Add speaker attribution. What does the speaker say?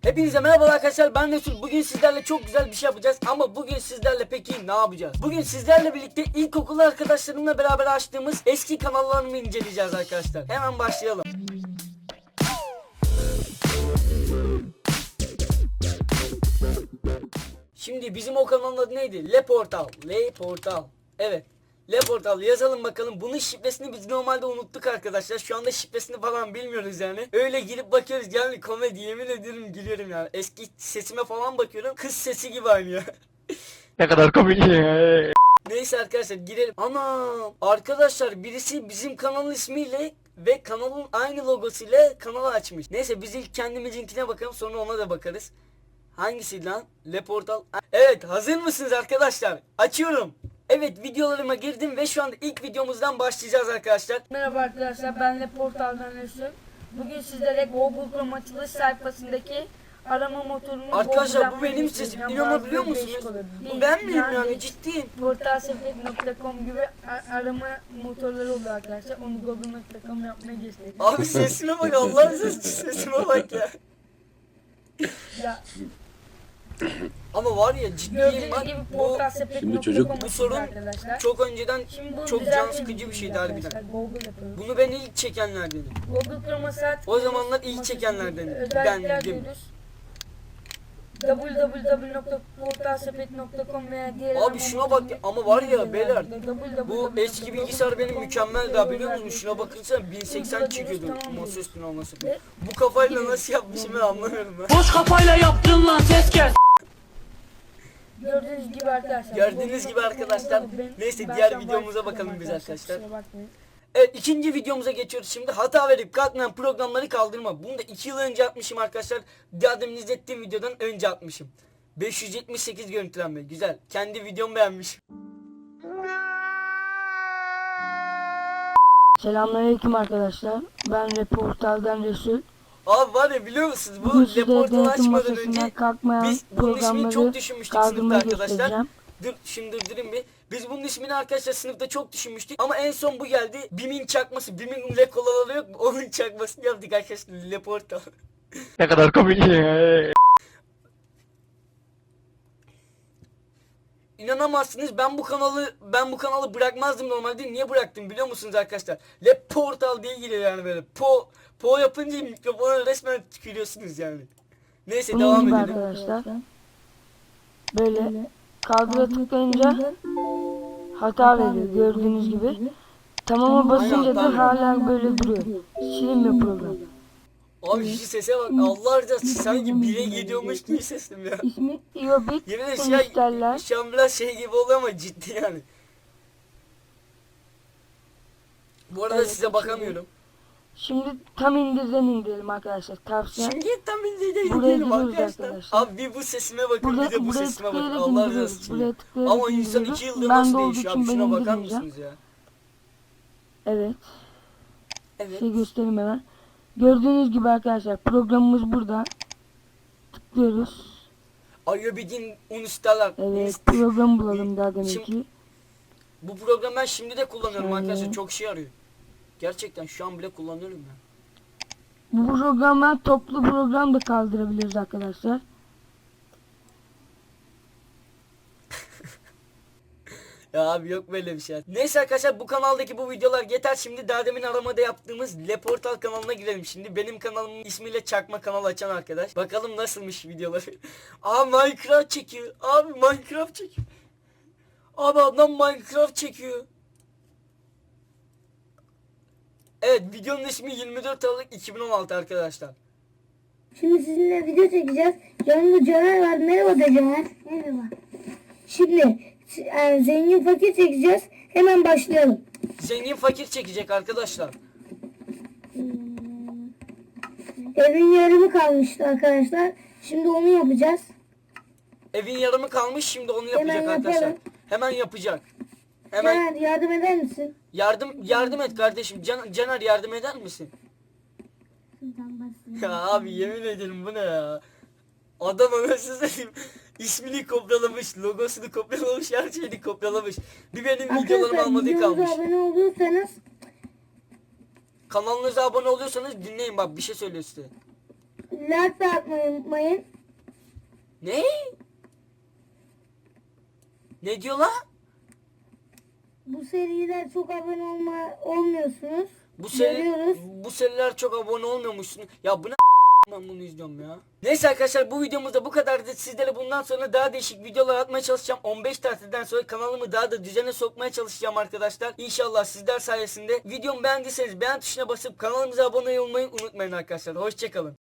Speaker 1: Hepinize merhaba arkadaşlar, ben Resul. Bugün sizlerle çok güzel bir şey yapacağız. Ama bugün sizlerle peki ne yapacağız? Bugün sizlerle birlikte ilkokul arkadaşlarımla beraber açtığımız eski kanallarını inceleyeceğiz arkadaşlar. Hemen başlayalım. Şimdi bizim o kanalın adı neydi? Le Portal. Evet. Le Portal yazalım bakalım. Bunun şifresini biz normalde unuttuk arkadaşlar. Şu anda şifresini falan bilmiyoruz yani. Öyle girip bakıyoruz yani, komedi, yemin ederim gülüyorum yani. Eski sesime falan bakıyorum. Kız sesi gibi aynı ya.
Speaker 2: Ne kadar komik.
Speaker 1: Neyse arkadaşlar girelim. Ana arkadaşlar, birisi bizim kanalın ismiyle ve kanalın aynı logosuyla kanalı açmış. Neyse biz ilk kendimizinkine bakalım, sonra ona da bakarız. Hangisi lan? Le Portal. Evet, hazır mısınız arkadaşlar? Açıyorum. Evet, videolarıma girdim ve şu anda ilk videomuzdan başlayacağız arkadaşlar.
Speaker 3: Merhaba arkadaşlar, ben de Portal'dan Resul. Bugün sizlere Google Chrome açılış sayfasındaki arama motorunu
Speaker 1: Arkadaşlar bu benim sesim. İnanabiliyor musunuz? Bu ben miyim yani, ciddiyim.
Speaker 3: Portalsefet.com gibi arama motorları oldu arkadaşlar. Onu Google.com yapmaya göstereyim.
Speaker 1: Abi sesime bak, Allah'ın sesime bak ya.
Speaker 3: Ya,
Speaker 1: Ama var ya, ciddiyim
Speaker 3: gördüğünüz
Speaker 1: bak.
Speaker 3: gibi
Speaker 1: Bu
Speaker 4: Şimdi çocuk-
Speaker 3: Portalsefet.com
Speaker 1: bu sorun
Speaker 3: arkadaşlar.
Speaker 1: çok önceden
Speaker 3: Şimdi bu
Speaker 1: çok
Speaker 3: güzel
Speaker 1: can
Speaker 3: bir
Speaker 1: sıkıcı bir
Speaker 3: video
Speaker 1: şeydi harbiden.
Speaker 3: arkadaşlar. Google yapıyoruz.
Speaker 1: Bunu ben ilk çekenlerdenim.
Speaker 3: Google Chrome'a saat
Speaker 1: O zamanlar ilk çekenlerdenim.
Speaker 3: özellikler
Speaker 1: Bendim.
Speaker 3: diyoruz. www.portalsepet.com veya diğer
Speaker 1: Abi şuna bak ya, ama var ya beyler, bu eski bilgisayar benim mükemmel daha, biliyor musunuz? Şuna bakınca 1080 çekiyordu masa üstüne olması. Bu kafayla nasıl yapmışım ben anlamıyorum ben.
Speaker 2: Boş kafayla yaptın lan, ses kes.
Speaker 3: Gördüğünüz gibi arkadaşlar.
Speaker 1: Gördüğünüz gibi arkadaşlar. Neyse, diğer videomuza bakalım biz arkadaşlar. Evet, ikinci videomuza geçiyoruz şimdi. Hata verip kalkmayan programları kaldırma. Bunu da 2 yıl önce atmışım arkadaşlar. Daha demin izlettiğim videodan önce atmışım. 578 görüntülenme. Güzel. Kendi videomu beğenmiş.
Speaker 5: Selamünaleyküm arkadaşlar. Ben Portal'dan Resul.
Speaker 1: Abi var ya, biliyor musunuz? Bu
Speaker 5: Bugün size
Speaker 1: reportajı
Speaker 5: denetim
Speaker 1: açmadan
Speaker 5: masasından
Speaker 1: önce
Speaker 5: kalkmayan
Speaker 1: biz bunun ismini çok
Speaker 5: programları
Speaker 1: düşünmüştük sınıfta
Speaker 5: kaldırmayı
Speaker 1: arkadaşlar.
Speaker 5: göstereceğim.
Speaker 1: Dur şimdi durdurayım bir. Biz bunun ismini arkadaşlar sınıfta çok düşünmüştük. Ama en son bu geldi. BİM'in çakması. BİM'in rekolaları yok mu? Onun çakmasını yaptık arkadaşlar. Le Portal.
Speaker 2: Ne kadar komik.
Speaker 1: İnanamazsınız, ben bu kanalı bırakmazdım normalde. Niye bıraktım biliyor musunuz arkadaşlar? Le Portal diye giriyor yani böyle. Po yapınca mikrofona resmen tükürüyorsunuz yani. Neyse,
Speaker 5: Bunun
Speaker 1: devam
Speaker 5: gibi
Speaker 1: edelim.
Speaker 5: arkadaşlar. Böyle kaldıra tıklayınca hata veriyor gördüğünüz gibi. Tamama basınca da hala böyle duruyor. Silinmiyor program.
Speaker 1: Abi şu sese bak, Allah rızası sanki bire gidiyormuş gibi sesim ya.
Speaker 5: İsmi Iobit
Speaker 1: Yemin ederim
Speaker 5: Installer.
Speaker 1: şu an biraz şey gibi oluyor ama ciddi yani. Bu arada
Speaker 5: Evet,
Speaker 1: size bakamıyorum.
Speaker 5: Şimdi tam indirden indirelim arkadaşlar. Tavsiye.
Speaker 1: Şimdi tam bildiğine
Speaker 5: Buraya
Speaker 1: gidelim
Speaker 5: giriyoruz
Speaker 1: arkadaşlar.
Speaker 5: arkadaşlar.
Speaker 1: Abi bir bu sesime bakın, bir de bu
Speaker 5: Buraya
Speaker 1: sesime bakın.
Speaker 5: tıklayarak
Speaker 1: Allah
Speaker 5: indiriyoruz.
Speaker 1: rızası için.
Speaker 5: Buraya tıklayarak
Speaker 1: Ama insan 2
Speaker 5: indiriyoruz.
Speaker 1: yılda
Speaker 5: Ben
Speaker 1: nasıl
Speaker 5: de olduğu
Speaker 1: değişiyor
Speaker 5: için
Speaker 1: abi?
Speaker 5: ben
Speaker 1: Şuna bakar
Speaker 5: indirmeyeceğim.
Speaker 1: mısınız ya?
Speaker 5: Evet.
Speaker 1: Evet.
Speaker 5: Size göstereyim hemen. Gördüğünüz gibi arkadaşlar programımız burada. Tıklıyoruz.
Speaker 1: Ayobidin Unistalar.
Speaker 5: Evet, program bulalım daha demek
Speaker 1: Şimdi-
Speaker 5: ki.
Speaker 1: Bu programı ben şimdi de kullanıyorum
Speaker 5: Şöyle.
Speaker 1: arkadaşlar. Çok şey arıyor. Gerçekten şu an bile kullanıyorum ya.
Speaker 5: Bu programdan toplu program da kaldırabiliriz arkadaşlar.
Speaker 1: Ya abi yok böyle bir şey. Neyse arkadaşlar, bu kanaldaki bu videolar yeter. Şimdi daha demin aramada yaptığımız Le Portal kanalına girelim şimdi. Benim kanalımın ismiyle çakma kanal açan arkadaş. Bakalım nasılmış videoları. Aa, Minecraft çekiyor. Abi Minecraft çekiyor. Abi adam Minecraft çekiyor. Evet, videonun ismi 24 Aralık 2016 arkadaşlar.
Speaker 6: Şimdi sizinle video çekeceğiz. Yanımda Caner var. Merhaba de Caner. Merhaba. Şimdi zengin fakir çekeceğiz. Hemen başlayalım.
Speaker 1: Zengin fakir çekecek arkadaşlar.
Speaker 6: Evin yarımı kalmıştı arkadaşlar. Şimdi onu yapacağız.
Speaker 1: Evin yarımı kalmış, şimdi onu
Speaker 6: Hemen
Speaker 1: yapacak arkadaşlar.
Speaker 6: yapalım.
Speaker 1: Hemen yapacak. Hemen
Speaker 6: Caner yardım eder misin?
Speaker 1: yardım et kardeşim. Caner yardım eder misin? Ya abi yemin ederim, bu ne ya? Adam anasını satayım. İsmini kopyalamış, logosunu kopyalamış, her şeyini kopyalamış. Bir benim videolarımı
Speaker 6: Arkadaşlar
Speaker 1: almadığı
Speaker 6: videomuza
Speaker 1: kalmış.
Speaker 6: abone olursanız
Speaker 1: Kanalınıza abone oluyorsanız dinleyin, bak bir şey söylüyor size.
Speaker 6: like de atmayı unutmayın.
Speaker 1: Ne? Ne diyor lan?
Speaker 6: Bu seriler çok abone olmuyorsunuz. Görüyoruz.
Speaker 1: Bu seriler çok abone olmuyormuşsun. Ya bu ne ben bunu izliyorum ya. Neyse arkadaşlar bu videomuzda bu kadardı. Sizlere bundan sonra daha değişik videolar atmaya çalışacağım. 15 tatilden sonra kanalımı daha da düzene sokmaya çalışacağım arkadaşlar. İnşallah sizler sayesinde. Videomu beğendiyseniz beğen tuşuna basıp kanalımıza abone olmayı unutmayın arkadaşlar. Hoşçakalın.